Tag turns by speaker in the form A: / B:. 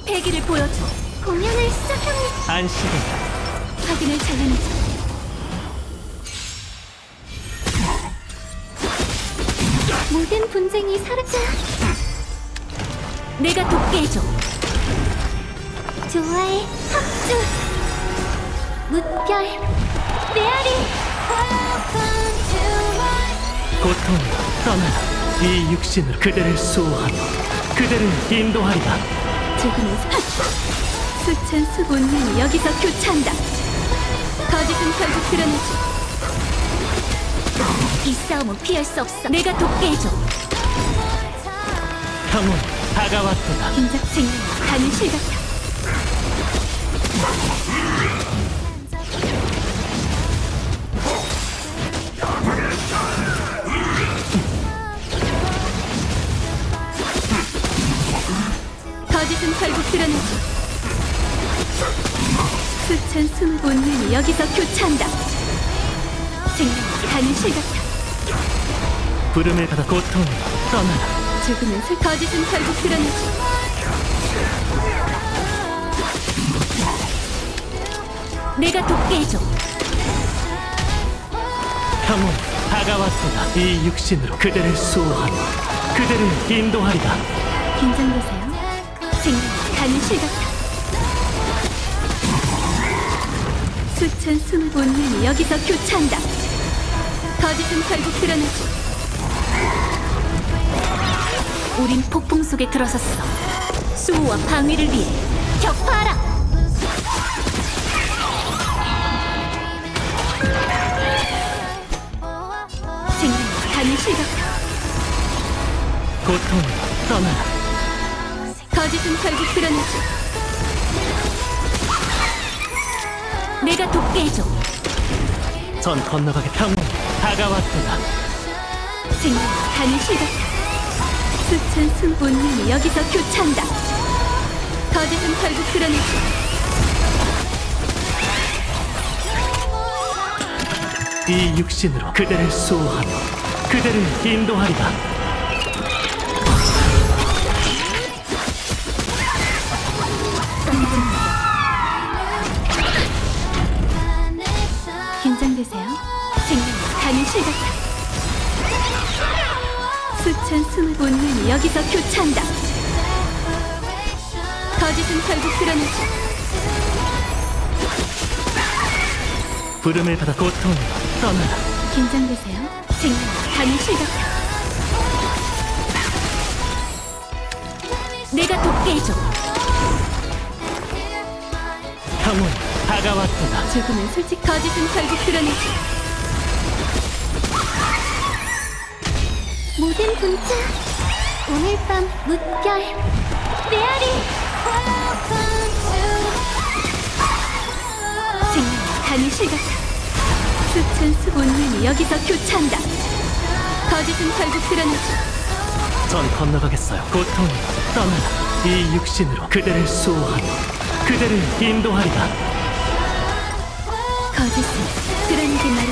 A: 패기를 보여줘.
B: 공연을 시작합니다.
C: 안식이다.
A: 확인을 잘라내자.
B: 모든 분쟁이 사라져.
A: 내가 돕게 해줘.
B: 좋아해. 합주. 무별. 메아리.
C: 고통 떠나라. 이 육신으로 그대를 수호하며 그대를 인도하리라.
A: 조금은 수천 수본능이 여기서 교차한다. 거짓은 결국 드러나지. 이 싸움은 피할 수 없어. 내가 돕게 해줘.
C: 형은 다가왔도다.
A: 긴장 생명 가는 실 같아. 거짓은 결국 드러나지. 수천 숨을 본능이 여기서 교차한다. 생명 가는 실 같아.
C: 부름을 받아 고통을 떠나라.
A: 조금은 거짓은 결국 드러나지. 내가 돕게 해줘.
C: 형은 다가왔도다. 이 육신으로 그대를 수호하며 그대를 인도하리라.
A: 긴장되세요. 생명 가는 실 같아. 수천 숨을 본능이 여기서 교차한다. 거짓은 결국 드러나지. 우린 폭풍 속에 들어섰어. 수호와 방위를 위해 격파하라. 생명 가는 실 같아.
C: 고통을 떠나라.
A: 거짓은 결국 드러나지. 내가 돕게 해줘.
C: 전 건너가게. 형은 다가왔도다.
A: 생명 가는 실 같아. 수천 숨 본능이 여기서 교차한다. 거짓은 결국 드러나지.
C: 이 육신으로 그대를 수호하며 그대를 인도하리라.
A: 긴장되세요. 생명 가는 실 같아. 수천 숨을 본능이 여기서 교차한다. 거짓은 결국 드러나지.
C: 부름을 받아 고통을 떠나라.
A: 긴장되세요. 생명 가는 실 같아. 내가 돕게 해줘.
C: 형은 다가왔도다.
A: 조금은 솔직. 거짓은 결국 드러나지.
B: 모든 분쟁. 오늘 밤 무별. 메아리.
A: 생명 가는 실 같아. 수천 수 본능이 여기서 교차한다. 거짓은 결국 드러나지.
C: 전 건너가겠어요. 고통을 떠나라. 이 육신으로 그대를 수호하며 그대를 인도하리라.
A: 거짓은 드러내게 말.